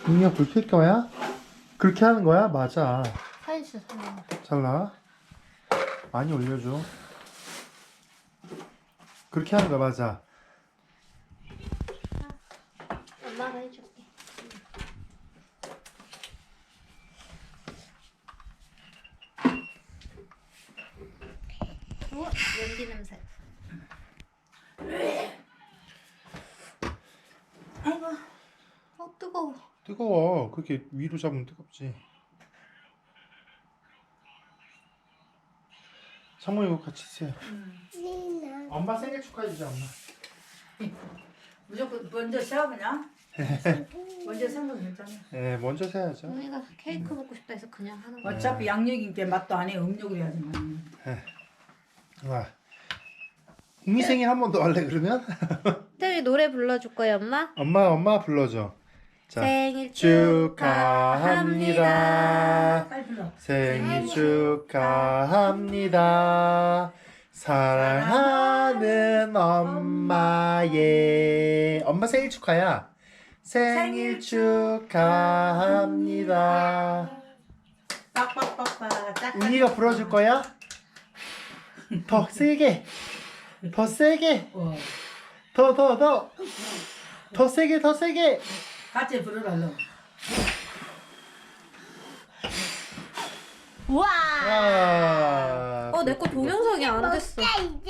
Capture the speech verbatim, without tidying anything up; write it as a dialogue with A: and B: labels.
A: 응이야 불 켤 거야? 그렇게 하는 거야? 맞아.
B: 사이즈 하나.
A: 잘라. 많이 올려줘. 그렇게 하는 거야 맞아.
B: 엄마가 해줄게. 우와, 연기 냄새. 아이고, 어 뜨거워.
A: 뜨거워. 그렇게 위로 잡으면 뜨겁지. 상모 이거 같이 드세요. 엄마 생일 축하해주자 엄마.
C: 무조건 먼저 세워보냐? 먼저 세우면 괜찮아.
A: 네 먼저 세야죠.
B: 언니가 케이크 먹고 싶다 해서 그냥 하는 거야.
C: 어차피 양력인게 맛도 안 해. 음력으로 해야지만.
A: 와. 웅이 생일 한 번 더 할래 그러면?
B: 태희 노래 불러줄 거야 엄마?
A: 엄마 엄마 불러줘. 자,
B: 생일
A: 축하합니다.
C: 빨리 불러.
A: 생일 축하합니다. 사랑하는 엄마의 엄마 생일 축하야. 생일 축하합니다.
C: 빡빡빡빡. 짝.
A: 웅이가 불어줄 거야? 더 세게, 더 세게,
C: 어.
A: 더 더 더, 더 세게 더 세게.
C: 같이 부르라.
B: 우와.
A: 와.
B: 어 내 거 동영상이 안 됐어.
D: 이제